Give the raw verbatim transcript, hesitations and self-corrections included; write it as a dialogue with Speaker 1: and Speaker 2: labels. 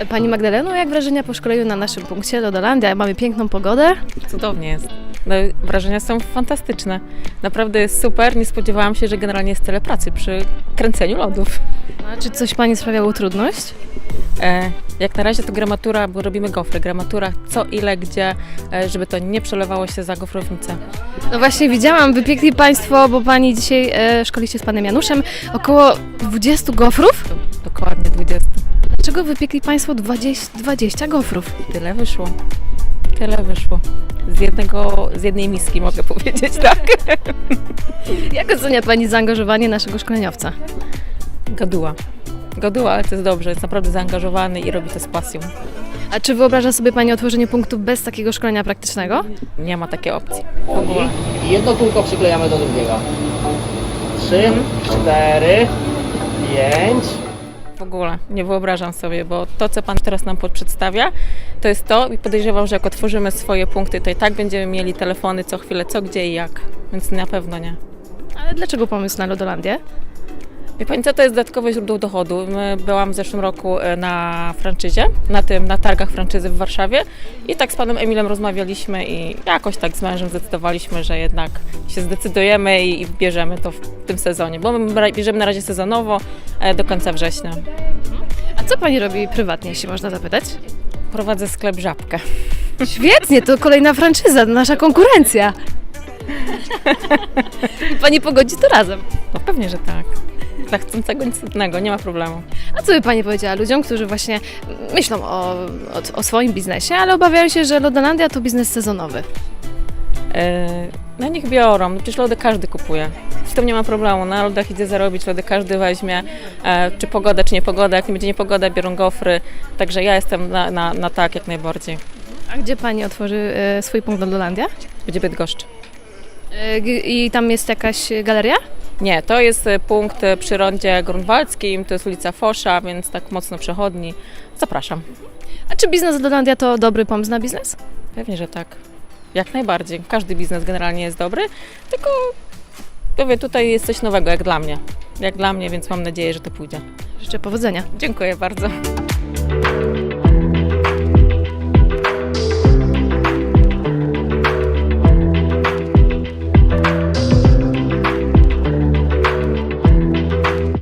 Speaker 1: Pani Magdaleno, jak wrażenia po szkoleniu na naszym punkcie Lodolandia? Mamy piękną pogodę.
Speaker 2: Cudownie jest. No, wrażenia są fantastyczne. Naprawdę jest super. Nie spodziewałam się, że generalnie jest tyle pracy przy kręceniu lodów.
Speaker 1: A czy coś Pani sprawiało trudność?
Speaker 2: E, jak na razie to gramatura, bo robimy gofry. Gramatura co, ile, gdzie, e, żeby to nie przelewało się za gofrownicę.
Speaker 1: No właśnie widziałam, wypiekli Państwo, bo Pani dzisiaj e, szkoli się z Panem Januszem, około dwudziestu gofrów.
Speaker 2: Dokładnie dwadzieścia.
Speaker 1: Dlaczego wypiekli Państwo dwadzieścia, dwadzieścia gofrów?
Speaker 2: Tyle wyszło. Tyle wyszło. Z jednego, z jednej miski mogę powiedzieć, tak.
Speaker 1: Jak ocenia Pani zaangażowanie naszego szkoleniowca?
Speaker 2: Gaduła. Gaduła, ale to jest dobrze. Jest naprawdę zaangażowany i robi to z pasją.
Speaker 1: A czy wyobraża sobie Pani otworzenie punktu bez takiego szkolenia praktycznego?
Speaker 2: Nie ma takiej opcji. W
Speaker 3: I
Speaker 2: ogóle.
Speaker 3: jedno kółko przyklejamy do drugiego. Trzy, cztery, pięć.
Speaker 2: W ogóle nie wyobrażam sobie, bo to, co Pan teraz nam przedstawia, to jest to i podejrzewam, że jak otworzymy swoje punkty, to i tak będziemy mieli telefony co chwilę, co, gdzie i jak. Więc na pewno nie.
Speaker 1: Ale dlaczego pomysł na Lodolandię?
Speaker 2: Wie Pani co, to jest dodatkowe źródło dochodu. My byłam w zeszłym roku na franczyzie, na tym, na targach franczyzy w Warszawie i tak z Panem Emilem rozmawialiśmy i jakoś tak z mężem zdecydowaliśmy, że jednak się zdecydujemy i, i bierzemy to w tym sezonie, bo my bierzemy na razie sezonowo e, do końca września.
Speaker 1: A co Pani robi prywatnie, jeśli można zapytać?
Speaker 2: Prowadzę sklep Żabkę.
Speaker 1: Świetnie, to kolejna franczyza, nasza konkurencja. I Pani pogodzi to razem.
Speaker 2: No pewnie, że tak. Dla chcącego nic trudnego, nie ma problemu.
Speaker 1: A co by Pani powiedziała ludziom, którzy właśnie myślą o, o, o swoim biznesie, ale obawiają się, że Lodolandia to biznes sezonowy?
Speaker 2: E, no niech biorą, no przecież lody każdy kupuje. Z tym nie ma problemu, na lodach idzie zarobić, lody każdy weźmie, e, czy pogoda, czy nie pogoda, jak nie będzie niepogoda, biorą gofry, także ja jestem na, na, na tak jak najbardziej.
Speaker 1: A gdzie Pani otworzy e, swój punkt Lodolandia?
Speaker 2: Będzie Bydgoszcz.
Speaker 1: E, g- I tam jest jakaś galeria?
Speaker 2: Nie, to jest e, punkt e, przy rondzie grunwaldzkim, to jest ulica Fosza, więc tak mocno przechodni. Zapraszam.
Speaker 1: A czy biznes Lodolandia to dobry pomysł na biznes?
Speaker 2: Pewnie, że tak. Jak najbardziej. Każdy biznes generalnie jest dobry, tylko mówię, tutaj jest coś nowego, jak dla mnie. Jak dla mnie, więc mam nadzieję, że to pójdzie.
Speaker 1: Życzę powodzenia.
Speaker 2: Dziękuję bardzo.